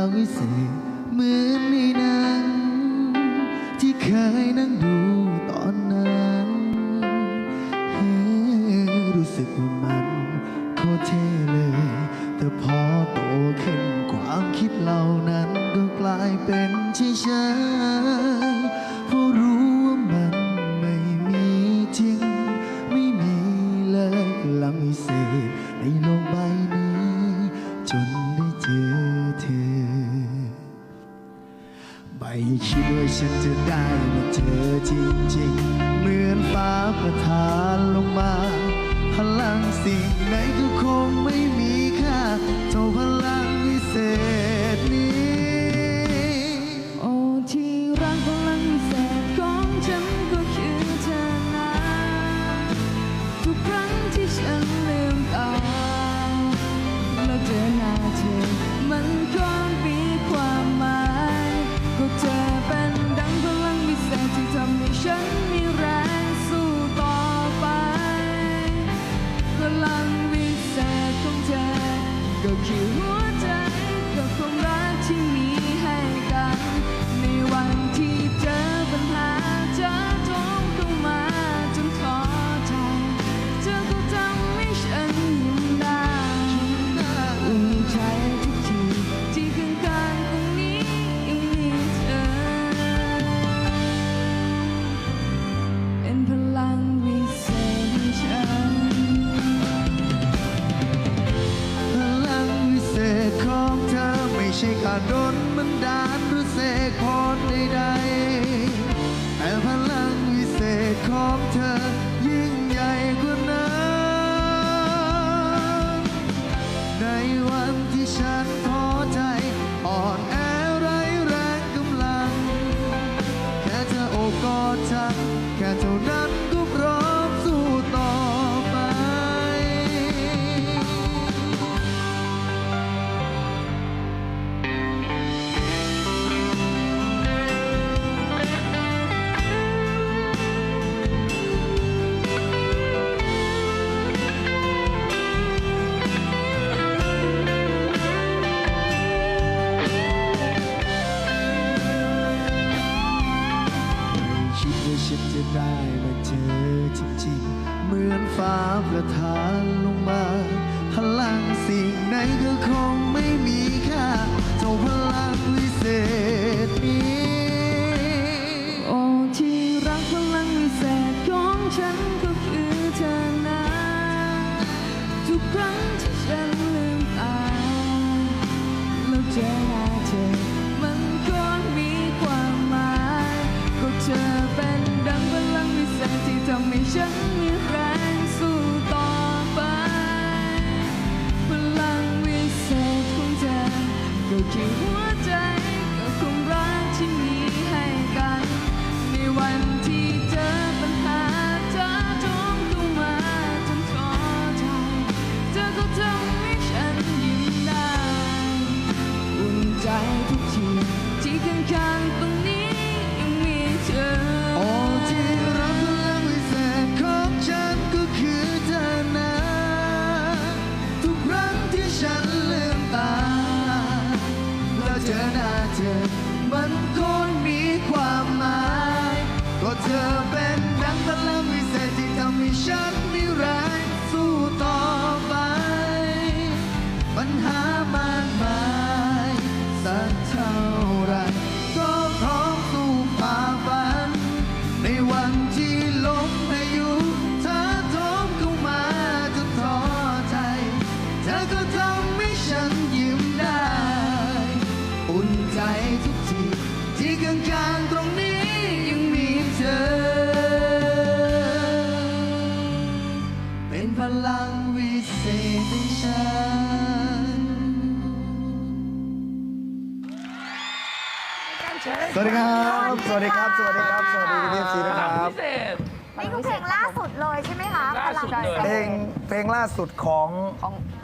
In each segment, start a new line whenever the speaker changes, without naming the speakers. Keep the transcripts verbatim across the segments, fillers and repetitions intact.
งวิเศษเหมือนในหนังที่เคยนั่งดูตอนนั้นรู้สึกว่ามันโคตรเท่เลยแต่พอโตขึ้นความคิดเหล่านั้นก็กลายเป็นเฉยๆเพราะรู้ว่ามันไม่มีจริงไม่มีเลยพลังวิเศษในโลกใบนี้จนได้เจอเธอไม่คิดว่าฉันจะได้มาเจอจริงๆเหมือนฟ้าประทานลงมาพลังสิ่งไหนก็คงไม่มีค่าเท่าพลังวิเศษนี้
โอ้ที่รักพลังวิเศษของฉันก็คือเธอนะทุกครั้งที่ฉันลืมตาแล้วเจอหน้าเธอมันก็มีความหมายก็เธอเป็นดังพลังวิเศษที่ทำให้ฉันมีแรงสู้ต่อไปพลังวิเศษของเธอก็คือหัวใจกับความรักที่มีให้กันในวันที่เจอปัญหาเจอทงเข้ามาจนท้อใจเธอก็ทำให้ฉันยิ้มได้อุ่นใจทุกทีที่ข้างๆตรงนี้ยังมีเธอเป็นพลังวิเศษให้ฉัน
พลังวิเศษของเธอไม่ใช่การโดนบันดาลหรือเสกพรใดๆแต่พลังวิเศษของเธอยิ่งใหญ่กว่านั้นในวันที่ฉันท้อใจอ่อนแอไร้แรงกำลังแค่เธอโอบกอดฉันแค่เท่านั้นก็พร้อมสู้ต่อไปคิดว่าฉันจะได้มาเจอจริงๆเหมือนฟ้าประทานลงมาพลังสิ่งไหนก็คงไม่มีค่าเท่าพลังวิเศษนี้
โอ้ที่รักพลังวิเศษของฉันก็คือเธอนะทุกครั้งที่ฉันลืมตาแล้วเจอหน้าเธอมันก็มีความหมายก็เธอเป็นดังพลังวิเศษที่ทำให้ฉันมีแรงสู้ต่อไปพลังวิเศษของเธอก็คือหัวใจกับความรักที่มีให้กันในวันที่เจอปัญหาเธอท้องเข้ามาจนท้อใจเธอก็ทำให้ฉันยิ้มได้อุ่นใจทุกทีที่ข้างๆตรงนี้ยังมีเธอ
โอ้ที่รักพลังวิเศษของฉันก็คือเธอนะทุกครั้งที่ฉันลืมตาแล้วเจอหน้าเธอมันคงมีความหมายก็เธอเป็นดังพลังวิเศษที่ทำให้ฉันมีแรงสู้ต่อไปปัญหามากมายสักเท่าไรก็พร้อมสู้ฝ่าฟันในวันที่ลมพายุเธอโถมเข้ามาจนท้อใจเธอก็ทำให้ฉันยิ้มได้อุ่นใจทุกทีที่ข้างๆตรงนี้ยังมีเธอเป็นพลังวิเศษในฉันสวัสดีครับ สวัสดีครับ สวัสดีครับ สวัสดีพี่ซีนะครับ
พิเศษ
นี่คือเพลงล่าสุดเลยใช่ไหมคะ
ล่าสุดเลย
เพลงเพลงล่าสุดของ
ของ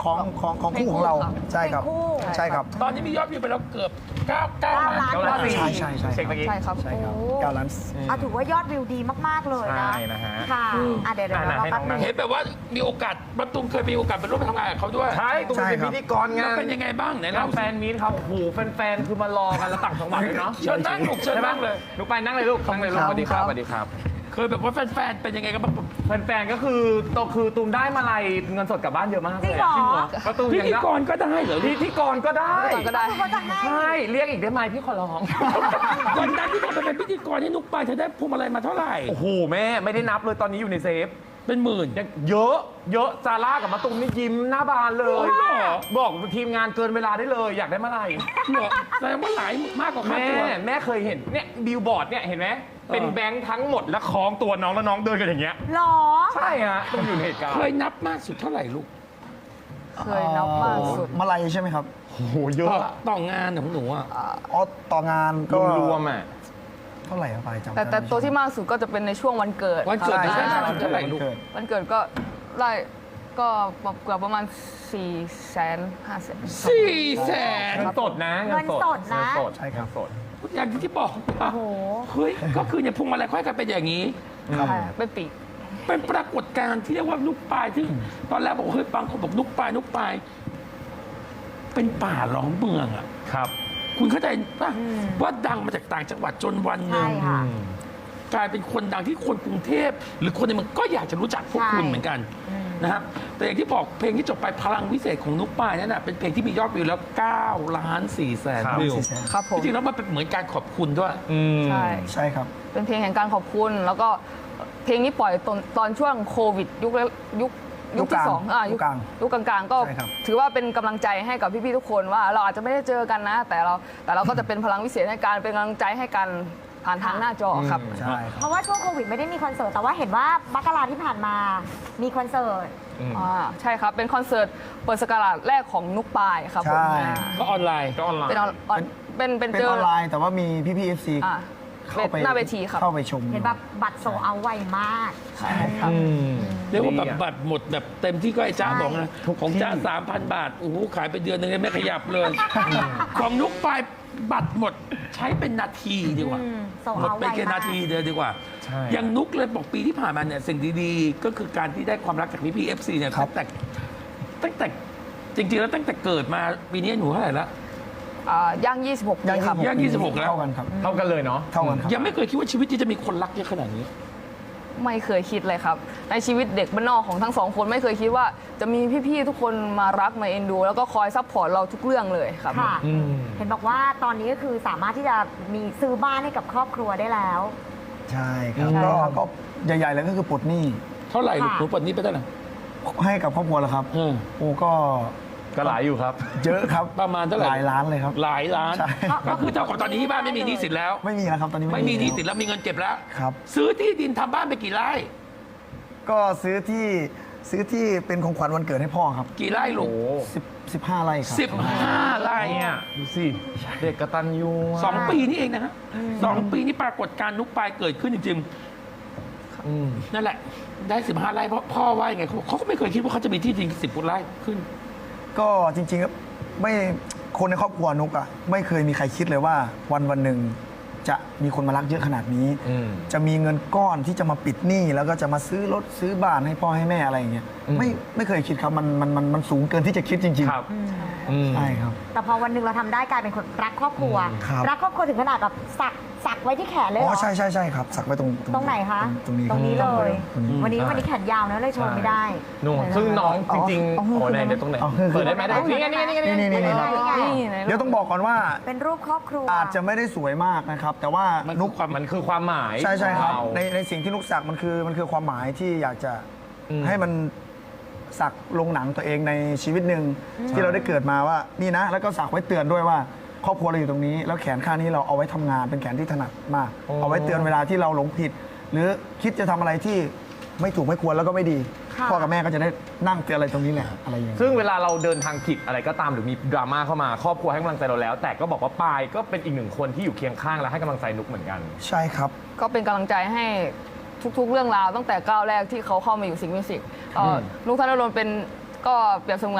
ของของของคู่ของเราใช่ครับ
เป็นคู่
ใช่ครับ
ตอนนี้มียอดวิวไปแล้วเกือบ9 9ล้าน
เก้าล้าน
ใช่ใช่ใช่
เช็คเมื่อกี้
ใช่ครับ
ใช่ครับ
โอ้
เก้าล้าน
อ่ะถือว่ายอดวิวดีมาก ๆ เลยนะ
ใช่นะฮะ
ค่ะอ่ะเดี๋ยวเดี๋ยว
อ่ะ
เรา
ให้
แป๊บ
น้อง
นึ
นั่
ง
ง
เห็นแบบว่ามีโอกาสประตูมเคยมีโอกาสไปร่วมทำงานกับเขาด้วย
ใช่ตุ้ม
ใช่
เป็น
ครับ
พิธีกรงา
แล้ว
น
เป็นยังไงบ้างไหน
งา
เล่าน
แฟนมีตครับโอ้โหแฟนๆคือมารอกันแล้วต่างจังหวัดเลยเนาะ
เชิญนั่งลูกเชิญ
ใช่ไหม
นั่งเลย
ลูกไปนั่งเลยลูกนั่งเลยลูกสวัสดีครับสวัสดีครับ
เคยแบบว่าแฟนๆเป็นยังไงกันบ้าง
แฟนๆก็คือโตคือตูมได้มาลัยเงินสดกลับบ้านเยอะมากเลย
จริงเหรอ
ประตู
พิ
ยัง
ธี
ได้
กรก็ได้เหรอ
พิธีกรก็ได้
พิธีกรก็ได้
เขาจะให้
ใช่เรียกอีกได้ไหมพี่ขอร้อง
วันนั้นที่เธอไปเป็นพิธีกรให้นุกไปเธอได้พวงมาลัยมาเท่าไหร่
โอ้โหแม่ไม่ได้นับเลยตอนนี้อยู่ในเซฟ
เป็นหมื่น
ยังเยอะเยอะซาร่ากับมะตูมนี่ยิ้มหน้าบานเล
โอ้
ย
โหเหรอ
บอกทีมงานเกินเวลาได้เลยอยากได้เมื่อไหร่
เหรอแสดงว่าหลายมากกว่าค่า
แม่
ตัว
แม่เคยเห็นเนี่ยบิลบอร์ดเนี่ยเห็นไหม
เออ
เป็นแบงค์ทั้งหมดแล้วคล้องตัวน้องแล้วน้องเดินกันอย่างเงี้ย
หรอ
ใช่ฮะต้องอยู่ในเหตุการณ์
เคยนับมากสุดเท่าไหร่ลูก
เคยนับมากสุด
มาลัยใช่ไหมครับ
โอ้โหเยอะ
ต่องานของหนูอ่ะ
อ๋อต่องานก็
รวมๆอ่ะ
เท่าไหร่อะไปจำ
แต่แต่ตัวที่มากสุดก็จะเป็นในช่วงวันเกิด
วันเกิด
ครับ
ได้
ใช่
มาก
ใช่
สุดเท่าไหร่ลูก
เกิด
วันเกิดก็ได้ก็เกือบประมาณ4ี่แสนห้าแสน
สี่แสน
เงินสดนะ
เงินสดนะ
เงินสด
ใช่ครับ
เงินสด
อย่างที่บอกว่า
โอ้โห
เฮ้ยก็คือเนี่ยพวงมาลัยค่อยกันเป็นอย่างนี้
ครับ
ใช่เป็นปีก
เป็นปรากฏการณ์ที่เรียกว่านุกปลายที่ตอนแรกบอกเฮ้ยบางคนบอกนุกปลายนุกปลายเป็นป่าล้อมเมืองอ่ะ
ครับ
คุณเข้าใจป่ะ
อืม
ว่าดังมาจากต่างจังหวัดจนวันหนึ่
ใช่
ง
ค่ะ
กลายเป็นคนดังที่คนกรุงเทพหรือคนในเมืองก็อยากจะรู้จักพวก
ใช่
คุณเหมือนกัน
อืม
นะครับแต่อย่างที่บอกเพลงที่จบไปพลังวิเศษของนุกปลายนั่นน่ะเป็นเพลงที่มียอดวิวแล้ว9ล้าน4แสน
ครับ
วิว
สี่แสน
ครับผม
จริงๆแล้วมันเป็นเหมือนการขอบคุณด้วย
อืม
ใช่
ใช่ครับ
เป็นเพลงแห่งการขอบคุณ แล้วก็เพลงนี้ปล่อยตอนตอนช่วงโควิด ยุคแรกยุค
ยุ
ยุ
ค
ค
ก
ที่
ลาง
สองอ่ะ
ยุคกลาง
ยุคกลางๆก็
ใช่ครับ
ถือว่าเป็นกำลังใจให้กับพี่ๆทุกคนว่าเราอาจจะไม่ได้เจอกันนะ แต่เราแต่เราก็จะเป็นพลังวิเศษให้การเป็นกำลังใจให้กันผ่านทางหน้าจอครับ
ใช่ครับ
เพราะว่าช่วงโควิดไม่ได้มีคอนเสิร์ตแต่ว่าเห็นว่ามักราที่ผ่านมามีคอนเสิร์ต
อ่าใช่ครับ เป็นคอนเสิร์ตเปิดสกราชแรกของนุกปายครับผม
ใช่
อ่า
ก็ออนไลน์
ก็ออนไลน์
เป็นออนออนเป็นเป็น
เป็น
เจ
อ
อ
อนไลน์แต่ว่ามีพี่พี่เอฟซี
อ่า
เข้าไป
หน้าเวทีครับ
เข้าไปชม
เห็นแบบบัตรโซเอาไวมาก
ใช่ครับ
อืม
เรียกว่าแบบ
ดีอะ
บัตรหมดแบบเต็มที่ก็ไอ้จ้า
ใช่
บอกนะของจ้าสามพันบาทโอ้โหขายไปเดือนหนึงยังไม่ขยับเลย ของนุกปลายบัตรหมดใช้เป็นนาทีดีกว่า
อืมโซ
หมด
เอา
ไป
ไว
แค่
มา
นาที
ก
เดียวดีกว่า
ใช่
อย่างนุกเลยบอกปีที่ผ่านมาเนี่ยสิ่งดีๆ ก็คือการที่ได้ความรักจากพี่พีเอฟซีเนี่ย
ครั
ตั้
บ
งแต่ตั้งแต่จริงๆแล้วตั้งแต่เกิดมาปีนี้หนูเท่าไหร่ละ
อ่าย่าง ยี่สิบหก ปีครับ
ย่างยี่สิบหกแล้ว
เท่ากันครับ
เท่ากันเลยเนาะ
เท่ากันครับ
ยังไม่เคยคิดว่าชีวิตนี้จะมีคนรักเยอะขนาดนี้
ไม่เคยคิดเลยครับ ในชีวิตเด็กบ้านนอกของทั้งสองคนไม่เคยคิดว่าจะมีพี่ๆทุกคนมารักมาเอ็นดู แล้วก็คอยซัพพอร์ตเราทุกเรื่องเลยครับ
ค่ะ
อืม
เห็นบอกว่าตอนนี้ก็คือสามารถที่จะมีซื้อบ้านให้กับครอบครัวได้แล้ว
ใช่ครับ
ใช่
ก็
ครับ
ก็ใหญ่ๆเลยก็คือปลดหนี้
เท่าไหร่ลูก
ค่ะ
หนูปลดหนี้ไปเท่าไหร่
ให้กับครอบครัวแล้วครับ
เออ
โอ้ก็
ก็หลายอยู่ครับ
เยอะครับ
ประมาณเท่าไหร่
หลายล้านเลยครับ
หลายล้าน
ใช่
ก็คือเท่ากับตอนนี้ที่บ้านไม่มีหนี้สินแล้ว
ไม่มีแล้วครับตอนนี้
ไม่มีหนี้สิน
แล้ว
แล้วมีเงินเก็บแล้ว
ครับ
ซื้อที่ดินทำบ้านไปกี่ไร่
ก็ซื้อที่ซื้อที่เป็นของขวัญวันเกิดให้พ่อครับ
กี่ไร่ลูก
โอ้
สิบสิบห้าไร่ครับ
สิบห้าไร่
เนี่ยดูสิ เด็กกตัญญูะ
สองปีนี่เองนะฮะสองปีนี่ปรากฏการณ์นุกปลายเกิดขึ้นจริง
อืม
ๆนั่นแหละ ได้สิบห้าไร่เพราะพ่อว่ายังไงเขาเขาก็ไม่เคยคิดว่าเขาจะมีที่ดินสิบไร่ขึ้น
ก็จริงๆแล้วไม่คนในครอบครัวนุกอะไม่เคยมีใครคิดเลยว่าวันวันหนึ่งจะมีคนมารักเยอะขนาดนี้
อืม
จะมีเงินก้อนที่จะมาปิดหนี้แล้วก็จะมาซื้อรถซื้อบ้านให้พ่อให้แม่อะไรอย่างเงี้ย
อืม
ไม่ไม่เคยคิดครับมันมันมันมันสูงเกินที่จะคิดจริง
ครับ
อืม
อืม
ๆใช่ครับ
แต่พอวันหนึ่งเราทำได้กลายเป็นคนรักครอบครัว
ครับ
รักครอบครัวถึงขนาดแบบสักสักไว้ที่แขนเลยเหร
อ๋อ
อ
ใช่ใช่ใช่ครับสักไว้ตรง
ตรงไหนคะ
ตรงนี้
ตรงนี้เลย
ตรงนี้
วันนี้วันนี้แขนยาวนะเลยโชว์ไม่ได้
นู่นซึ่งน้องจริงๆ
อ๋อ
โอ้ไหนเดี๋ยวตรงไหน
อ๋อคือ
เปิดได้ไหมได้นี่ไงนี่ไงนี่ไง
นี่นี่นี่
นี่ไง
นี่ไหน
เดี๋ยวต้องบอกก่อนว่า
เป็นรูปครอบครัว
อาจจะไม่ได้สวยมากนะครับ แต่ว่า
มัน
นุก
ความ
มันคือความหมาย
ใช่ใช่ครับ
ของเา
ในในสิ่งที่นุกสักมันคือมันคือความหมายที่อยากจะ
อืม
ให้มันสักลงหนังตัวเองในชีวิตหนึ่งที่เราได้เกิดมาว่านี่นะ แล้วก็สักไว้เตือนด้วยว่าครอบครัวเราอยู่ตรงนี้ แล้วแขนข้างนี้เราเอาไว้ทำงานเป็นแขนที่ถนัดมาก เอาไว้เตือนเวลาที่เราหลงผิด หรือคิดจะทำอะไรที่ไม่ถูกไม่ควรแล้วก็ไม่ดี
ค่ะ
พ่อกับแม่ก็จะได้นั่งเตือนอะไรตรงนี้แหละอะไรอย่างเงี้ย
ซึ่งเวลาเราเดินทางผิดอะไรก็ตามหรือมีดราม่าเข้ามาครอบครัวให้กำลังใจเราแล้ว แต่ก็บอกว่าปายก็เป็นอีกหนึ่งคนที่อยู่เคียงข้างและให้กำลังใจนุกเหมือนกัน
ใช่ครับ
ก็เป็นกำลังใจให้ทุกๆ เรื่องราวตั้งแต่ก้าวแรกที่เขาเข้ามาอยู่สิงห์มิวสิกเอ่ออ
ม
นุกธนดลเป็นก็เปรียบเสมือน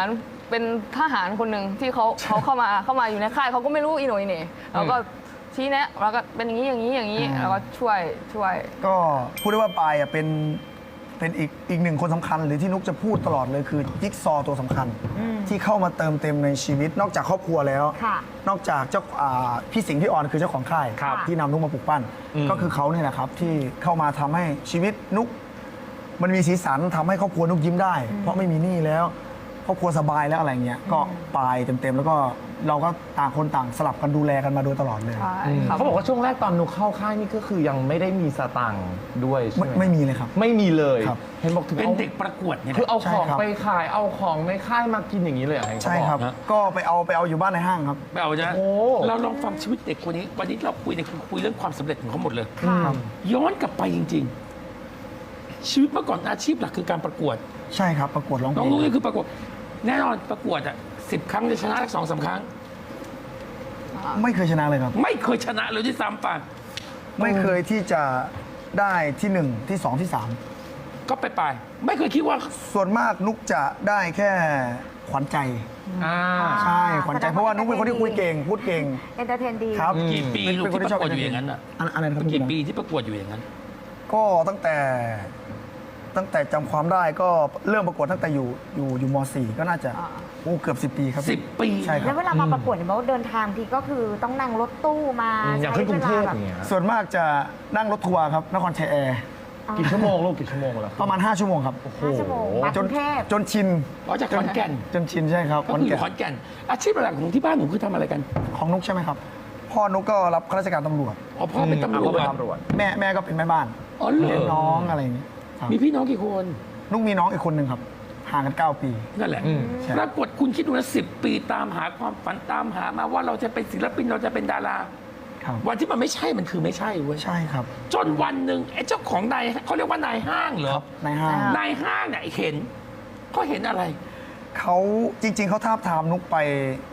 เป็นทหารคนหนึ่งที่เขาเขาเข้ามาเข้ามาอยู่ในค่ายเขาก็ไม่รู้อีโหนอีเหน่เราก็ชี้แนะแล้วก็เป็นอย่างนี้อย่างนี้อย่างนี้แล้วก็ช่วยช่วย
ก็พูดได้ว่าปายอ่ะเป็นเป็นอีกอีกหนึ่งคนสำคัญหรือที่นุกจะพูดตลอดเลยคือจิ๊กซอว์ตัวสำคัญ ที่เข้ามาเติมเต็มในชีวิตนอกจากครอบครัวแล้ว
ค่ะ
นอกจากเจ้าอ่าพี่สิงห์พี่ออนคือเจ้าของค่าย
ครับ
ที่นำนุกมาปลูกปั้น
อืม
ก็คือเขาเนี่ยแหละครับที่เข้ามาทำให้ชีวิตนุก มันมีสีสันทำให้ครอบครัวนุกยิ้มได้ เพราะไม่มีหนี้แล้วครอบครัวสบายแล้วอะไรเงี้ยก็ปายเต็มๆแล้วก็เราก็ต่างคนต่างสลับกันดูแลกันมาโดยตลอดเลย
ใช่ครับ
เขาบอกว่าช่วงแรกตอนนุกเข้าค่ายนี่ก็คือยังไม่ได้มีสตังค์ด้วยใช่
ไม่
ไหม
ไม่มีเลยครับ
ไม่มีเลย
ครับ
เห็นบอกถึง
เป็น
อา
เด็กประกวดเนี่ย
คือเอา
ใช่
ของ
ครับ
ไปขายเอาของในค่ายมากินอย่างนี้เลยเหรอเห็นเขา
ใช่
อก
ครับ
นะ
ก็ไปเอาไปเอาอยู่บ้านในห้างครับ
ไม่เอาจ้ะ
โอ้
เราลองฟังชีวิตเด็กคนนี้ วันนี้เราคุยเนี่ยคือคุยเรื่องความสำเร็จของเขาหมดเลย
ค่ะ
ย้อนกลับไปจริง ๆ ชีวิตเมื่อก่อนอาชีพหลักคือการประกวด
ใช่ครับประกวดร้องเพ
น้
ล
อง
ง
นุ้ยคือประกวด แน่นอนประกวดอ่ะสิบครั้งจะชนะสักสองสามครั้ง
ไม่เคยชนะเลยครับ
ไม่เคยชนะเลยที่ซ้ำไป
ไม่เคยที่จะได้ที่หนึ่งที่สองที่สาม
ก็ไปไปไม่เคยคิดว่า
ส่วนมากนุกจะได้แค่ขวัญใจ
อ่า
ใช่ขวัญใจเพราะว่านุกเป็นคนที่คุยเก่งพูดเก่ง
เอนเตอร์เทนดี
ครับ
กี่ปี
เป็น
ลูก
เป็นคน
ที่
ที่
ป
ชอบ
ระกวดอยู่อย่างนั้นอ่ะ
อะไรอะไรนะครับ
กี่ปีที่ประกวดอยู่อย่างนั้น
ก็ตั้งแต่ตั้งแต่จำความได้ก็เริ่มประกวดตั้งแต่อยู่อยู่อยู่ม .สี่ ก็น่าจะ
อ่า
โอ้เกือบสิบปีครับ
สิบปี
ใช่ค
แล้
รั
ว
บ
เวลามาประกวดเนี่ยบอกว่าเดินทางทีก็คือต้องนั่งรถตู้มา
อย่าง
ใช้
ขึ้นกรุ
เว
งเท
ลา
พ
แบบ
อย่างเงี้ย
ส่วนมากจะนั่งรถทัวร์ครับนครชัยแอร์
กี่ชั่วโมงลูกกี่ชั่วโมงแล้ว
ประมาณ ห้า ชั่วโมงครับ
ห้าชั่วโมงมาก
จ
รุ
น
งเทพ
จนชิน
อ๋อจากขอนแก่น
จนชินใช่ครับ
ก็คืออยู่ขอนแก่น อาชีพหลักของที่บ้านหนูคือทำอะไรกัน
ของนุกใช่ไหมครับ พ่อนุกก็รับข้าราชการตำรวจ
อ๋อพ่อเป็นตำรวจ
ตำรวจ
แม่แม่ก็เป็นแม่บ้าน
อ๋อเหร
เลี้ยง
อ
น้องอะไรอย่างเงี้ยครับ
มีพี่น้องกี่คน
นุกมีน้องอีกคนหนึ่งครับห่างกันเก้าปี
นั่นแหละ
อืม
ใช่
ปรากฏคุณคิดดูนะสิบปีตามหาความฝันตามหามาว่าเราจะเป็นศิลปินเราจะเป็นดารา
ครับ
วันที่มันไม่ใช่มันคือไม่ใช่เว้ย
ใช่ครับ
จนวันหนึ่งไอ้เจ้าของนายเขาเรียกว่านายห้างเหรอ
ในห้าง
นายห้างเนี่ยเห็นเขาเห็นอะไร
เขาจริง ๆเขาทาบทามนุกไป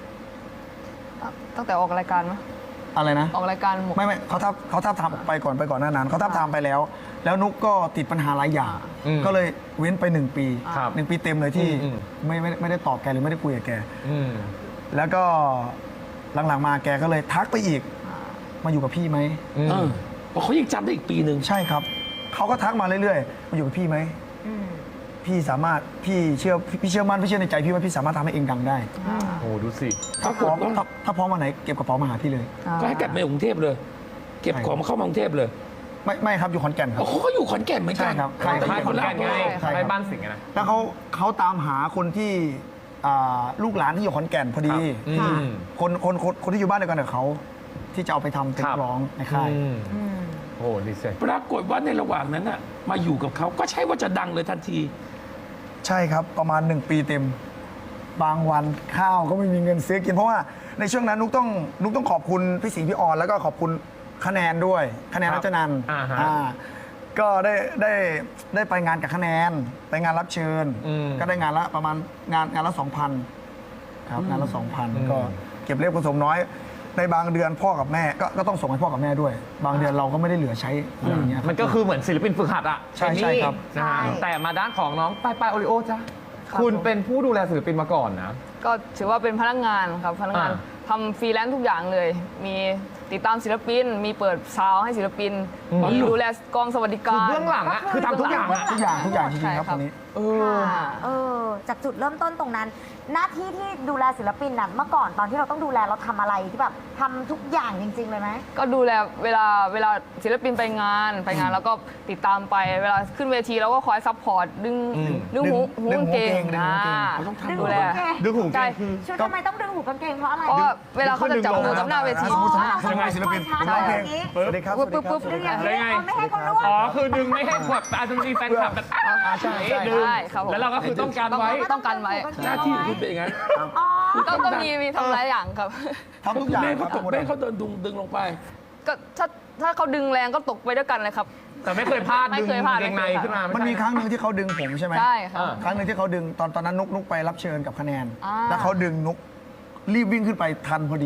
ตั้งแต่ออกรายการมั้ย
อะไรนะ
ออกรายการหมด
ไม่ไม่เขาทับเขาทับทามไปก่อนไปก่อนหน้านั้นเขาทับทามไปแล้ว แล้วนุกก็ติดปัญหาหลายอย่าง
อืม
ก็เลยเว้นไปหนึ่งปี
ครับ
หนึ่งปีเต็มเลยที่
อืม
ไม่ไม่ไม่ได้ตอบแกหรือไม่ได้คุยกับแก
อืม
แล้วก็หลังๆมาแกก็เลยทักไปอีก มาอยู่กับพี่ไหม
อืม
เออเพราะเขายังจำได้อีกปีหนึ่ง
ใช่ครับเขาก็ทักมาเรื่อยๆมาอยู่กับพี่ไหม
อืม
พี่สามารถพี่เชื่อพี่เชื่อมั่นพี่เชื่อในใจพี่ว่าพี่สามารถทำให้เองดังได้
โอ้ดูสิ
ถ้าพร้อมถ้าถ้าพร้อมมาไหนเก็บกระเป๋ามาหาพี่เลย
ก็ให้กลับมาอยู่กรุงเทพเลย เก็บของมาเข้ามากรุงเทพเลย
ไม่ไม่ครับอยู่ขอนแก่นครั
อ๋อบ เขาก็อยู่ขอนแก่นเหมือนกั
ใช่
น
ครับ
ค่ายค่ายขอนแก่นไง
ใช่ครับ
ค่ายบ้านสิงห์อะนะ
แล้วเขาเขาตามหาคนที่อ่าลูกหลานที่อยู่ขอนแก่นพอดี
อืม
คนคนคนคนที่อยู่บ้านเดียวกันกับเขาที่จะเอาไปทำเป็น
ครับ
นักร้องในค่าย
อืม
อืม
โอ้ดีสิ
ปรากฏว่าในระหว่างนั้นน่ะมาอยู่กับเขาก็ใช่ว่าจะดังเลยทันที
ใช่ครับประมาณหนึ่งปีเต็ม บางวันข้าวก็ไม่มีเงินซื้อกินเพราะว่าในช่วงนั้นนุกต้องนุกต้องขอบคุณพี่สิงห์พี่ออนแล้วก็ขอบคุณคะแนนด้วยคะแนน
ครับ
รัชนันท์
อ่าฮะ
อ่าก็ได้ได้ได้ไปงานกับคะแนน ไปงานรับเชิญ
อืม
ก็ได้งานละประมาณงานงานละสองพันครับงานละสองพัน
อืม
ก็เก็บเล็กผสมน้อย ในบางเดือนพ่อกับแม่ก็ก็ต้องส่งให้พ่อกับแม่ด้วย บางเดือนเราก็ไม่ได้เหลือใช้อะไรอย่างเงี้ย
มันก็คือเหมือนศิลปินฝึกหัดอะ
ใช่ใช่ครับ
นะฮะ
ใช่
แต่มาด้านของน้องปายปายโอริโอจ้ะ
ครับ
คุณ
ผม
เป็นผู้ดูแลศิลปินมาก่อนนะ
ก็ถือว่าเป็นพนักงานครับพนักงาน
อ่า
ทำฟรีแลนซ์ทุกอย่างเลย มีติดตามศิลปิน มีเปิดซาวด์ให้ศิลปิน
อืม
มีดูแลกองสวัสดิ
คื
กา
อ
ร
เบื้องหลังอะคือทำทุกอย่างอะ
ทุกอย่างทุกอย่างจริงๆครับ
ใช่
คนนี้
เออ
ค่ะเออจากจุดเริ่มต้นตรงนั้น หน้าที่ที่ดูแลศิลปินน่ะเมื่อก่อนตอนที่เราต้องดูแลเราทำอะไรที่แบบทำทุกอย่างจริง ๆ เลยไหม
ก็ดูแลเวลาเวลาศิลปินไปงานไปงานแล้วก็ติดตามไปเวลาขึ้นเวทีเราก็คอยซัพพอร์ตดึง
อืม
ดึงหู
ดึ
หู
ง
กางเกง
ดึงหูกางเกง
อ่า
เขาต้องทำ
ดึง
ดู
หู
แล
กางเกง
ดึงหูเก
ใช่
งคือ
ชุดทำไมต้องดึงหูกางเกงเพราะอะไร
เพราะว่าเวลาเขาจะจับมือกับหน้าเวที
สมมุติ
อ่า
ยังไงศิลปินผมร้องเพลงสวัสดีครับ
ปึ๊บปึ๊บปึ๊บ
สวัสดีครับ
ดึงอย่างนี้เอาไม่ให้เขาร่วง
อ๋อ คือดึงไม่ให้แบบอาจจะมีแฟนคลับแบบอ้าว
อ่าใช่ใช่
ดึง
ใช่ครับผม
แล้วเราก็คือต้องการไว้
ต้องกันไว้
หน้าที่ของคุณเป็นอย่างนั้น
อ๋อ
ก็ก็มีมีทำหลายอย่างครับ
ทำทุกอย่าง
แม่
ครั
เขา
บ
ตกแม่เขาเดินดึงดึงลงไป
ก็ถ้าถ้าเขาดึงแรงก็ตกไปด้วยกันเลยครับ
แต่ไม่เคยพลาด
ไม่
ดึง
เคยพลาด
เกงใน
ไม่เคยพลาด
ขึ้นมา
มั
มัน
มีครั้งหนึ่งที่เขาดึงผมใช่ไหม
ใช่ครับ
ครั้งหนึ่งที่เขาดึงตอนตอนนั้นนุกนุกไปรับเชิญกับคะแนน
อ่า
แล้วเขาดึงนุกรีบวิ่งขึ้นไปทันพอดี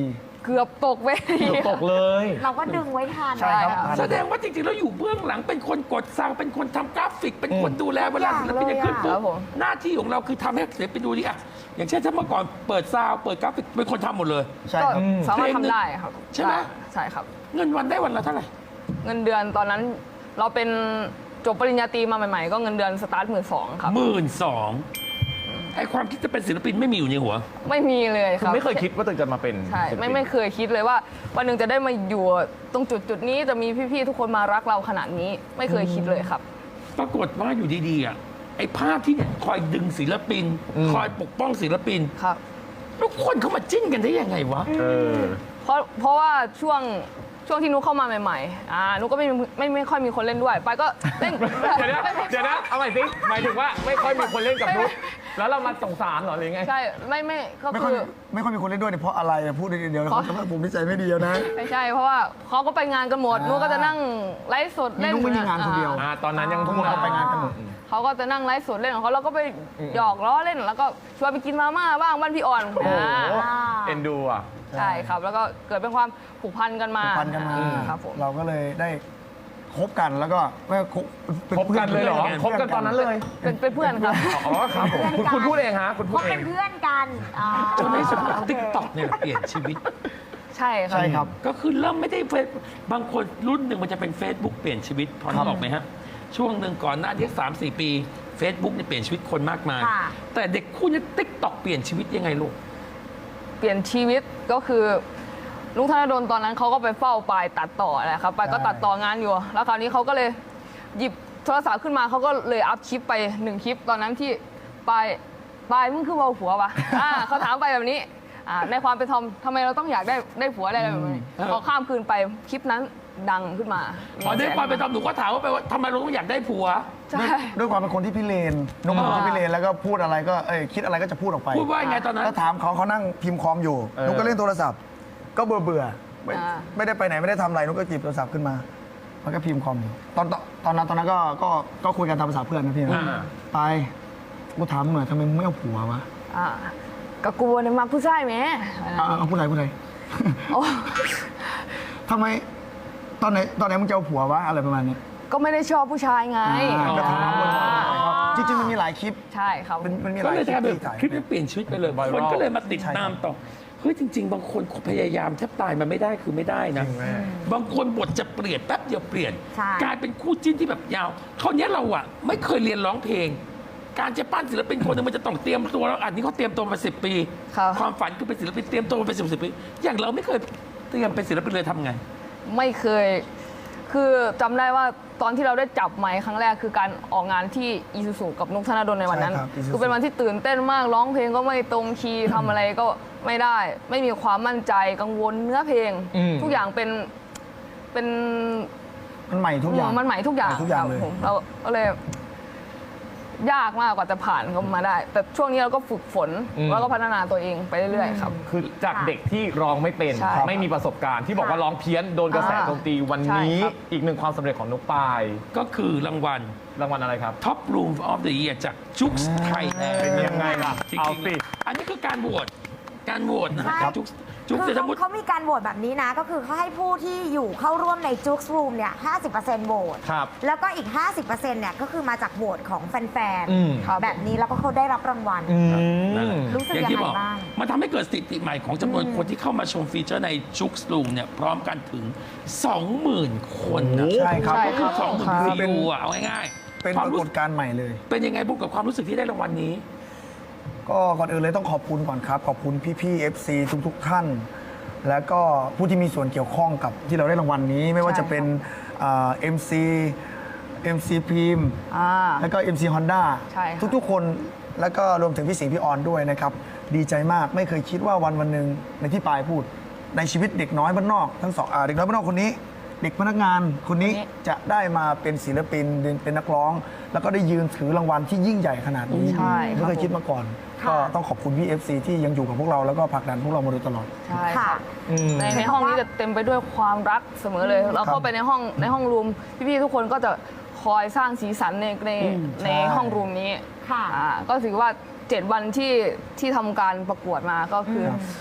เกือบตกเวที
เกือบตกเลย
เราก็ดึงไว้ทัน
ใช่ครับ
แสดงว่าจริงๆแล้วอยู่เบื้องหลังเป็นคนกดซาวด์เป็นคนทำกราฟิก เป็นคนดูแลเวลาศิลปินจะขึ้นปุ๊
ครับ บผม
หน้าที่ของเราคือทำให้ศิลปินดูดีอะอย่างเช่นถ้าเมื่อก่อนเปิดซาวด์เปิดกราฟิกเป็นคนทำหมดเลย
ใช่
ก็
ครับ
สามารถทำได้ครับ
ใช่ไหม
ใช่ครับ
เงินวันได้วันละเท่าไหร่
เงินเดือนตอนนั้นเราเป็นจบปริญญาตรีมาใหม่ๆ ก็เงินเดือนสตาร์ทหมื่นสองครับ
หมื่นสองไอความคิดจะเป็นศิลปินไม่มีอยู่ในหัว
ไม่มีเลยค
คือ
รับ
ไม่เคยคิดว่าตัวเองจะมาเป็น
ใช่
ศิลปิน
ไม่ไม่เคยคิดเลยว่าวันหนึ่งจะได้มาอยู่ตรงจุดจุดๆนี้จะมีพี่ๆทุกคนมารักเราขนาดนี้ ไม่เคยคิดเลยครับ
ปรากฏว่าอยู่ดีๆอ่ะไอ้ภาพที่เนี่ยคอยดึงศิลปิน คอยปกป้องศิลปิน
ครับ
แล้วคนเขามาจิ้นกันได้ยังไงวะ
เออ
เพราะเพราะว่าช่วงช่วงที่นุกเข้ามาใหม่ๆอ่านุกก็ไม่ไม่ไม่ค่อยมีคนเล่นด้วยไปก็เล่น
เดี๋ยวนะเดี๋ยวนะเอาใหม่สิหมายถึงว่าไม่ค่อยมีคนเล่นกับนุ๊กแล้วเรามาสงสารเหรอหรือไง
ใช่ไม่ไม่ก็
ไม่ค่อย
คือ
ไม่ค่อยมีคนเล่นด้วยเนี่ยเพราะอะไรอะพูดเดียวๆ
เพราะ
เขาจะว่าผมนิสัยไม่ดีแล้วนะ
ไม่ใช่เพราะว่าเขาก็ไปงานกันหมด
อ่านุ
นุกก็จะนั่งไลฟ์สดเล่น
นุ๊กไม่มีงานคนเดียว
อ่
อ่าตอนนั้นยัง
ทุกคนเขาไปงานกันหมด
เขาก็จะนั่งไลฟ์สดเล่นของเขาแล้วก็ไปหยอกล้อเล่นแล้วก็ชวนไปกินมาม่าบ้างบ้านพี่อ่อน
โอ้โห
อ่า
เอ็นดูอ่ะ
ใช่ครับ แล้วก็เกิดเป็นความผูกพันกันมา
ผูกพันกันมา
อืครับผม
เราก็เลยได้คบกันแล้วก็ไม่คบป็
คบกันเลยเหรอ
พื่
คบกันตอนนั้นเลย
เป็นเป็นเพื่อนครับ
อ๋อครับผมคุณคุณพูดเองฮะคุณพู
เขา
ดเอ
เป็
ง
นเพื่อนกันอ่า
จนในสุดติ๊กต็อกเนี่ยเปลี่ยนชีวิต
ใช่ครับ
ใช่ครับ
ก็คือเริ่มไม่ได้เฟซบางคนรุ่นหนึ่งมันจะเป็น Facebook เปลี่ยนชีวิตพอนึกออกไหมฮะ ช่วงหนึ่งก่อนหน้านี้สามสี่ปี Facebook เนี่ยเปลี่ยนชีวิตคนมากมาย
ค่ะ
แต่เด็กคู่นี้ติ๊กต็อกเปลี่ยนชีวิตยังไงลูก
เปลี่ยนชีวิตก็คือลุงธนดลตอนนั้นเขาก็ไปเฝ้าปายตัดต่อแหละครับปายก็
ใช่
ตัดต่องานอยู่ แล้วคราวนี้เขาก็เลยหยิบโทรศัพท์ขึ้นมาเขาก็เลยอัพคลิปไปหนึ่งคลิปตอนนั้นที่ปายปายมึงคือเบาผัวปะ อ่าเขาถามไปแบบนี้อ่าในความเป็นทอมทำไมเราต้องอยากได้ได้ผัวอะไรแบบนี้
อืม
พอข้ามคืนไปคลิปนั้นดังขึ้นมา
พอได้ความเป็นธรรมหนูก็ถามว่าไปว่าทำไมเราต้องอยากได้ผัว
ใช่
ด้วยความเป็นคนที่พิเรนนุ๊กเป็นคนที่พิเรนแล้วก็พูดอะไรก็เอ้ยคิดอะไรก็จะพูดออกไป
พูดว่ายังไงตอนนั้น
แล้วถามเขาเขานั่งพิมพ์คอมอยู่
เออ
นุ๊กก็เล่นโทรศัพท์ ก็เบื่อเบื่อๆไม่
อ่า
ไม่ได้ไปไหนไม่ได้ทำอะไรนุ๊กก็จิบโทรศัพท์ขึ้นมาแล้วก็พิมพ์คอมอยู่ตอนตอนตอนนั้นตอนนั้นก็ก็ก็คุยกันตามภาษาเพื่อนนะพี่นะ
อ่า
ไปกูถามมึงหน่อยทำไมมึงไม่เอาผัววะ
อ่าก็กลัวเนี่ยมาผู้ชายไหม
อ่าเอาผู้ใดผู้ใด
โอ้
ทำไมตอนไหนตอนไหนมึงจะเอาผัววะอะไรประมาณเนี้ย
ก็ไม่ได้ชอบผู้ชายไง
อ่าก็ถามว่า
อ่า
จริงๆมันมีหลายคลิป
ใช่ครับ
มันมันมีห
ก็
ลาย
เลย
คลิ
ก
ป
ลายเป็น
ที่ถ่าย
คลิปนี้เปลี่ยนชีวิตไปเลย
Viral
คนก็เลยมาติด
ใช่ครับ
ตามต่อเฮ้ยจริง ๆ บางคนพยายามแทบตายมันไม่ได้คือไม่ได้นะ
จริงแม่
บางคนบทจะเปลี่ยนแป๊บเดียวเปลี่ยน
ใช่
กลายเป็นคู่จิ้นที่แบบยาวคราวนี้เราอะไม่เคยเรียนร้องเพลง การจะปั้นศิลปินคนหนึงมันจะต้องเตรียมตัวแล้วอันนี้เขาเตรียมตัวมาสิบปี
ครับ
ความฝันคือเป็นศิลปินเตรียมตัวมาเป็นสิบสิบปี อย่างเราไม่เคยเตรียมเป็นศิลปินเลยทำไง
ไม่เคย คือจำได้ว่าตอนที่เราได้จับไมค์ครั้งแรกคือการออกงานที่อีซูซูกับนุกธนดลในวันนั้น
ใช่ครับ Isuzu
คือเป็นวันที่ตื่นเต้นมากร้องเพลงก็ไม่ตรงคีย์ทำอะไรก็ไม่ได้ ไม่มีความมั่นใจกังวลเนื้อเพลง
อืม
ทุกอย่างเป็นเป็น
มันใหม่ทุกอย่าง
มันใหม่ทุกอย่าง
ใหม่ทุกอย่าง
ครับ
เลย
ผมเราก็เลย ยากมากกว่าจะผ่านก็มาได้ แต่ช่วงนี้เราก็ฝึกฝน
อืม
แล้วก็พัฒนาตัวเองไปเรื่อยๆครับ
คือจากเด็กที่ร้องไม่เป็น
ใช่
ไม่มีประสบการณ์ที่บอกว่าร้องเพี้ยนโดนกระแส
อ่า
โจมตีวัน
ใช่
นี้
ครับ
อีกหนึ่งความสำเร็จของนุกปาย
ก็คือรางวัล
รางวัลอะไรครับ
Top Room of the Year จากจุ๊กไทยแลนด์
เป็นยังไงล่ะ
จริง
เอา
ๆ
สิ
อันนี้คือการโหวตการโหวตนะ
ใช่
จุ๊กจุ๊ก
คือ
เศรษฐ
เขา
วุฒิ
เขามีการโหวตแบบนี้นะ ก็คือเขาให้ผู้ที่อยู่เข้าร่วมในจุ๊กส์รูมเนี่ย ห้าสิบเปอร์เซ็นต์ โหวต
ครับ
แล้วก็อีก ห้าสิบเปอร์เซ็นต์ เนี่ย ก็คือมาจากโหวตของแฟน
อืม
ๆ แบบนี้แล้วก็เขาได้รับรางวัล
อื
นั่นแห
ม
ละ
รู้สึก
อย่างที่บอก
ยังไงบ้าง
มันทำให้เกิดสถิติใหม่ของจำนวนคนที่เข้ามาชมฟีเจอร์ในจุ๊กรูมเนี่ยพร้อมกันถึง สองหมื่น คนนะ
ใช่ครับ
ใช่
ก็คือสองหมื่น
คือ
วิ
เป็น
วอะเอาง่ายๆ
เป็น
ควา
ป
ม
ราก
รู้
ฏการณ์ใหม่เลย
เป็นยังไงบุกกับความรู้สึกที่ได้รางวัลนี้
ก็ก่อนอื่นเลยต้องขอบคุณก่อนครับ ขอบคุณพี่ๆ เอฟ ซี ทุกๆ ท่าน แล้วก็ผู้ที่มีส่วนเกี่ยวข้องกับที่เราได้รางวัลนี้ ไม่ว่าจะเป็นเอ็มซีเอ็มซีพรีม
อ่า
แล้วก็ เอ็ม ซี Honda
ใช่ค่ะ
ทุกๆ คนแล้วก็รวมถึงพี่สิงห์พี่ออนด้วยนะครับ ดีใจมากไม่เคยคิดว่าวันวันหนึ่งในที่ปายพูด ในชีวิตเด็กน้อยบ้านนอกทั้งสองอ่าเด็กน้อยบ้านนอกคนนี้ เด็กพนักงานคนนี้
คนนี้
จะได้มาเป็นศิลปินเป็นนักร้อง แล้วก็ได้ยืนถือรางวัลที่ยิ่งใหญ่ขนาดนี้
ใช่ครับ
ไม่เคยคิดมาก่อน
ค่ะ
ก็ต้องขอบคุณพี่ เอฟ ซี ที่ยังอยู่กับพวกเราแล้วก็ผลักดันพวกเรามาโดยตลอด
ใช่ค
ค่ะ
รับ
อืม
ในในห้องนี้จะเต็มไปด้วยความรักเสมอเลย เราเข้าไปในห้องในห้องรูมพี่ๆทุกคนก็จะคอยสร้างสีสันในในใน
ใช่
ห้องรูมนี้
ค่ะ
อ่าก็ถือว่าเจ็ดวันที่ที่ทำการประกวดมาก็คืออ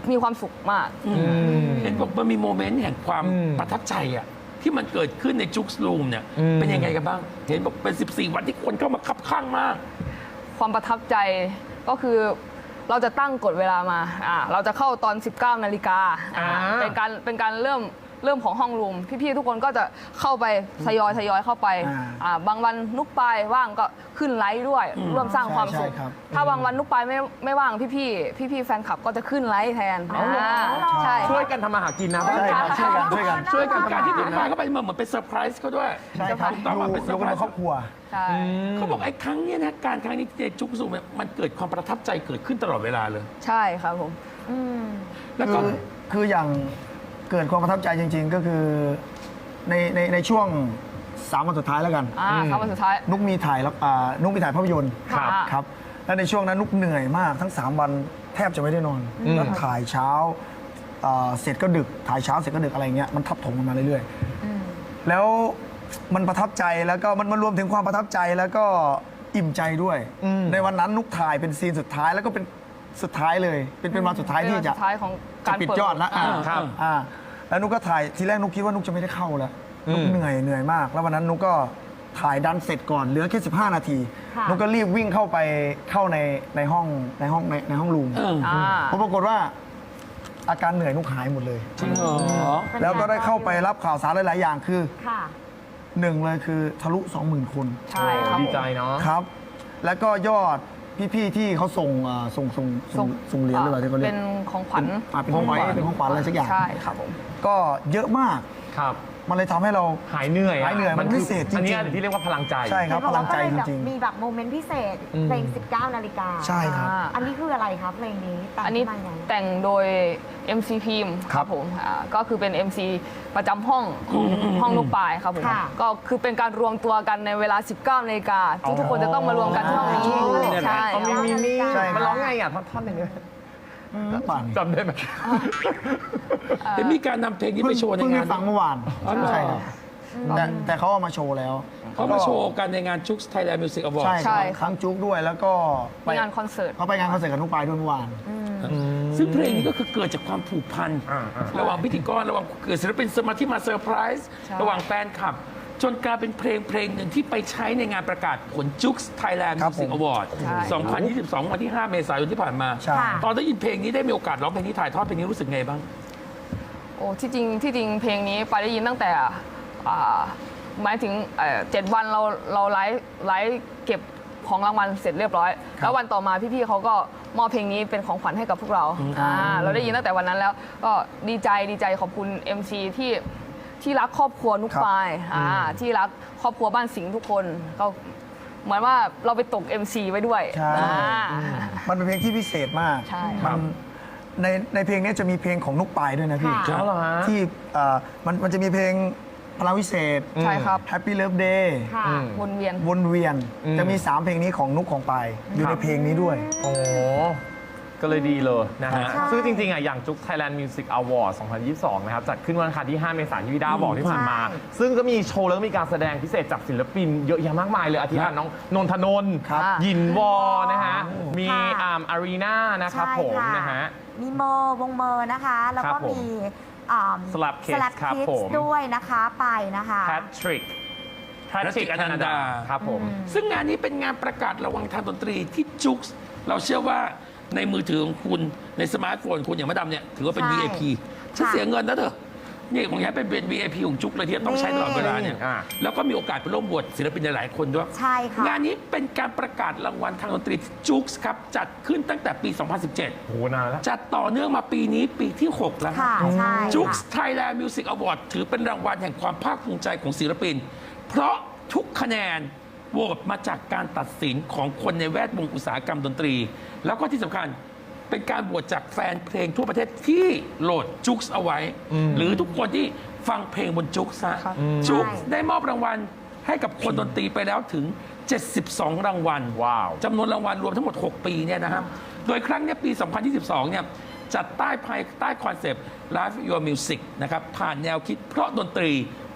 มีความสุขมาก
เห็นบอกมันมีโมเมนต์แห่งความ
อืม
ประทับใจอะที่มันเกิดขึ้นในจุกส์รูมเนี่ย
อืม
เป็นยังไงกันบ้าง เห็นบอกเป็น สิบสี่ วันที่คนเข้ามาคับข้างมาก
ความประทับใจก็คือเราจะตั้งกฎเวลามาอ่าเราจะเข้าตอน สิบเก้า นาฬิกา
อ่า
เป็นการเป็นการเริ่มเริ่มของห้องรูมพี่ๆทุกคนก็จะเข้าไปทยอยทยอยเข้าไป
อ่า
อ่าบางวันนุกปายว่างก็ขึ้นไลฟ์ด้วย ร่วมสร้างความสุข
ใช่ครับ
ถ้าบางวันนุกปายไม่ไม่ว่างพี่ๆพี่ๆแฟนคลับก็จะขึ้นไลฟ์แทน
อ๋อเหรอ
อ่าใช่
ช่วยกันทำมาหากินนะ
ใช่ครับช่วยกันช่วยกัน
ช่วยกันการที่นุ๊กปายเข้าไปเหมือนเป็นเซอร์ไพรส์เขาด้วย
ใช่ครับ
ถูกต้องว่า
ดู
เป็นเซอ
ดู
ร์
กั
ไพ
น
ร
เป็น
ส์
ครอบครัว
ใช่
เขาบอกไอ้ครั้งเนี้ยนะการครั้งนี้ในจุกซูมเนี่ยมันเกิดความประทับใจเกิดขึ้นตลอดเวลาเลย
ใช่ครับผม
อืม
แล้ว
คื
ก็
อคืออย่างเกิดความประทับใจจริง ๆ ก็คือในในในช่วงสามวันสุดท้ายแล้วกัน
อ่าครับวันสุดท้าย
นุกมีถ่ายแล้วอ่านุกมีถ่ายภาพยนตร์
ครับ
ครับและในช่วงนั้นนุกเหนื่อยมากทั้ง 3 วันแทบจะไม่ได้นอนแล้วถ่ายเช้าอ่าเสร็จก็ดึกถ่ายเช้าเสร็จก็ดึกอะไรเงี้ยมันทับถมกันมาเรื่อยๆแล้วมันประทับใจแล้วก็มันมันรวมถึงความประทับใจแล้วก็อิ่มใจด้วย ในวันนั้นนุกถ่ายเป็นซีนสุดท้ายแล้วก็เป็นสุดท้ายเลย เป็นเป็นวันสุดท้ายที่
เป็นวัน
จะ
สุดท้ายของ
จะ
การ
ปิด
เปิด
ยอดแล้วอ่า
ครับ
อ่าแล้วนุกก็ถ่ายทีแรกนุกคิดว่านุกจะไม่ได้เข้าแล้วนุกเหนื่อยเหนื่อยมาก แล้ววันนั้นนุกก็ถ่ายดันเสร็จก่อนเหลือแค่สิบห้านาที
ค่ะ
นุกก็รีบวิ่งเข้าไปเข้าในในห้องในห้องในในห้องรูม
เออ
อ่า
ผมปรากฏว่าอาการเหนื่อยนุกหายหมดเลย
จริงเหรอ
แล้วก็ได้เข้าไปรับข่าวสารหลาย ๆ อย่างคือ
ค่ะ
หนึ่งเลยคือทะลุ สองหมื่น คน
ใช่ครับ
ดี
ผม
ใจเนาะ
ครับ แล้วก็ยอดพี่ ๆ ที่เขาส่งอ่าส่งส่งส่งส่งเหรียญหรือเปล่าที่เขาเรีย
เป็
ก
นของขวัญ
อ่าเป็นของขวัญเป็นของขวัญอะไรสักอย่าง
ใช่ครับผม
ก็เยอะมาก
ครับ
มันเลยทำให้เรา
หายเหนื่อยอะ
หายเหนื่อยมัน
คือ
พิเศษจริงๆ
อันเนี้ยที่เรียกว่าพลังใจ
ใช่ครับ
เห็น
พ
อก
ลังใจ
ว่าก็เลย
จริง
แบบมีแบบโมเมนต์พิเศษ
อืม
เพลง สิบเก้า นาฬิกา
ใช่ครับ
อ่า
อันนี้คืออะไรครับเพลงนี้แต่ง
อันนี้
ขึ้นมาไง
แต่งโดย เอ็ม ซี พิมพ์
ครับ
ผมอ่าก็คือเป็น เอ็ม ซี ประจำห้องของห้องลูกปลายครับผม
ค่ะ
ก็คือเป็นการรวมตัวกันในเวลา สิบเก้า นาฬิกาทุกๆคนจะต้องมารวมกันที่ห้องนี้
อ๋อ
ใช่
เอามีมีมี
ใช่ครับ
มันร้องไงอ่ะท่อนๆหนึ่งเลย
ๆป่าน
จำได้ไหม
เห็นมีการนำเพลงนี้
เพิ่
ไป
ง
โชว์ใน
เพิ่ง
งา
ได้
น
ฟังเมื่อวาน
อ๋อเหรอ
ใช่ครับแต่แต่เขาเอามาโชว์แล้ว
เขามาโชว์กันในงานจุกส์ไทยแลนด์มิวสิกอวอร์
ใช่
ด
ค
ใช่
รับ
ครับ
ทั้งจุกด้วยแล้วก็ไป
มีงานคอนเสิร์ต
เขาไปงานคอนเสิร์ตกับนุกปายด้วยเมื่อวาน
ซึ่งเพลงนี้ก็คือเกิดจากความผูกพัน
อ่าอ่า
ระหว่างพิธีกรระหว่างเกิดศิลปินสมาที่มาเซอร์ไพรส์
ใช่
ระหว่างแฟนคลับ จนกลายเป็นเพลงเพลงหนึ่งที่ไปใช้ในงานประกาศผลจุกส์ไทยแลนด์
ครั
มิ
บ
วสิก
ผม
อวอร์ด สองพันยี่สิบสอง วันที่ ห้า เมษายนที่ผ่านมา
ใช่
ค่ะ
ตอนได้ยินเพลงนี้ได้มีโอกาสร้องเพลงนี้ถ่ายทอดเพลงนี้รู้สึกไงบ้าง
โอ้ที่จริงที่จริงเพลงนี้ไปได้ยินตั้งแต่อ่าหมายถึงเอ่อเจ็ดวันเราเราไลฟ์ไลฟ์เก็บของรางวัลเสร็จเรียบร้อย แล้ววันต่อมาพี่ๆเขาก็มอบเพลงนี้เป็นของขวัญให้กับพวกเราอ่าเราได้ยินตั้งแต่วันนั้นแล้วก็ดีใจดีใจขอบคุณ เอ็ม ซี ที่ที่รักครอบครัวนุกปายอ่าที่รักครอบครัวบ้านสิงห์ทุกคนก็เหมือนว่าเราไปตก เอ็ม ซี ไว้ด้วย
ใช่
อ่า
มันเป็นเพลงที่พิเศษมาก
ใช่
มันในในเพลงนี้จะมีเพลงของนุกปายด้วยนะพี่
ค่ะ
เอาเหรอฮะ
ที่เอ่อมันมันจะมีเพลงพลังวิเศษ
ใช่ครับ
Happy Love Day
ค่ะ
อืม
วนเวียน
วนเวียน
อืม
จะมี สาม เพลงนี้ของนุกของปายอยู่
ครั
ใน
บ
เพลงนี้ด้วย
โอ้ก็เลยดีเลยนะฮะ
ใช่
ซึ่งจริงๆอ่ะอย่างจุก Thailand Music Award สองพันยี่สิบสอง นะครับ จัดขึ้นวันอังคารที่ ห้า เมษายนที่พี่ดาบอกที่ผ่านมา
ใช่
ซึ่งก็มีโชว์แล้วก็มีการแสดงพิเศษจากศิลปินเยอะแยะมากมายเลยอาทิตย์น้องนนทนนท์
ครับ
ยินวอนะฮะ มี
ค่ะ
อาร์มอารีนานะครับ
ใช่
ผม
ค่
นะฮะ
มีเมอร์วงเมอร์นะคะ แล้ว
ครั
ก็
บผม
มีอ่า
Slap Kids
Slap
ครับ
Kids
ผม
ด้วยนะคะไปนะคะ
แพทริกแพทริก
Patrick
อนันดา
Ananda
ครับผม
ซึ่งงานนี้เป็นงานประกาศระวังทางดนตรีที่จุกส์เราเชื่อว่าในมือถือของคุณในสมาร์ทโฟนคุณอย่างมะดำเนี่ยถือว่าเป็น
ใช่
วี ไอ พี ฉัน
ค่ะ
เสียเงินนะเธอนี่ของแกเป็นเป็น วี ไอ พี ของจุกเลยที่ต้องใช้ตลอดเวลาเนี่ย
อ่า
แล้วก็มีโอกาสไปร่วมบวชศิลปินหลายๆคนด้วย
ใช่ค่ะ
งานนี้เป็นการประกาศรางวัลทางดนตรีจุกส์ครับจัดขึ้นตั้งแต่ปี สองพันสิบเจ็ด
โหนานแล้ว
จัดต่อเนื่องมาปีนี้ปีที่ หก แล้ว
ค่ะใช่
จุก
ค่ะ
ส์ไทยแลนด์มิวสิกอวอร์ดถือเป็นรางวัลแห่งความภาคภูมิใจของศิลปิน เพราะทุกคะแนนโหวตมาจากการตัดสินของคนในแวดวงอุตสาหกรรมดนตรี แล้วก็ที่สำคัญเป็นการโหวตจากแฟนเพลงทั่วประเทศที่โหลดจุกส์เอาไว้ หรือทุกคนที่ฟังเพลงบนจุกส์ฮะ
ครับ
จุกส์ได้มอบรางวัลให้กับคนดนตรีไปแล้วถึง เจ็ดสิบสอง รางวัล
ว้าว
จำนวนรางวัลรวมทั้งหมด หก ปีเนี่ยนะครับ โดยครั้งเนี้ยปี สองพันยี่สิบสอง เนี่ยจัดใต้ภายใต้คอนเซปต์ Live Your Music นะครับ ผ่านแนวคิดเพราะดนตรี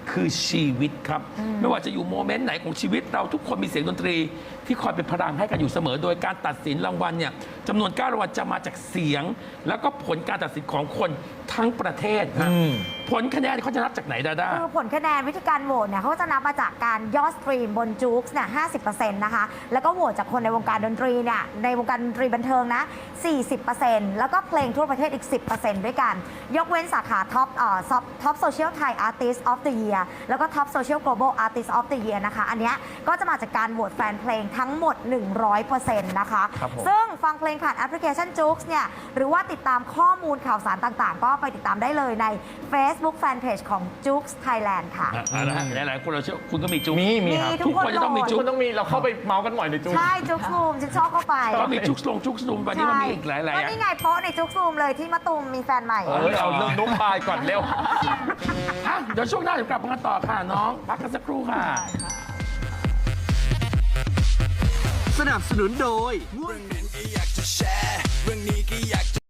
คือชีวิตครับ ไม่ว่าจะอยู่โมเมนต์ไหนของชีวิตเราทุกคนมีเสียงดนตรี ที่คอยเป็นพลังให้กันอยู่เสมอ โดยการตัดสินรางวัลเนี่ยจำนวนเก้ารางวัลจะมาจากเสียง แล้วก็ผลการตัดสินของคนทั้งประเทศฮะ
อืม
ผลคะแนนเขาจะนับจากไหนดาด้า
คือผลคะแนนวิธีการโหวตเนี่ยเขาก็จะนับมาจากการยอดสตรีมบนจู๊กส์เนี่ยห้าสิบเปอร์เซ็นต์นะคะ แล้วก็โหวตจากคนในวงการดนตรีเนี่ยในวงการดนตรีบันเทิงนะ สี่สิบเปอร์เซ็นต์ แล้วก็เพลงทั่วประเทศอีก สิบเปอร์เซ็นต์ ด้วยกัน ยกเว้นสาขาท็อปเอ่อท็อปโซเชียลไทยอาร์ติสต์ออฟเดอะเยียร์แล้วก็ท็อปโซเชียล global artist of the year นะคะ อันเนี้ยก็จะมาจากการโหวตแฟนเพลงทั้งหมด หนึ่งร้อยเปอร์เซ็นต์ นะคะ
ครับผม
ซึ่งฟังเพลงผ่านแอปพลิเคชันจู๊กส์เนี่ยหรือว่าติดตามข้อมูลข่าวสารต่างๆ ก็ไปติดตามได้เลยใน Facebook Fanpage ของ จู๊กส์ Thailand ค่ะ
อ่ะเอาละฮะหลายๆคนเราเชื่อคุณก็มีจุ๊ก
มีมีครับ
มี
ทุกคนจะต้องมี
ทุ
จุ๊
ก
ก
คนต้องมีเราเข้าไปเมาส์กันบ่อยในจู๊
ใช่ จุ๊กซูมฉันชอบเข้าไป
ก็มีจุ๊กลงจุ๊กซูมวันนี้มันมีอีกหลายๆ
ก็
อ่ะ
นี่ไงโป๊ะในจุ๊กซูมเลยที่มะตูมมีแฟนใหม่
เอ้ยเอาเรื่องนุ๊กปายก่อนเร็ว
อ่ะเดี๋ยวช่วงหน้าเดี๋ยวกลับมากันต่อค่ะน้อง พักกันสักครู่ค่ะ
สนับสนุนโดย
เรื่องนั้นก็อยากจะแชร์ เรื่องนี้ก็อยากจะ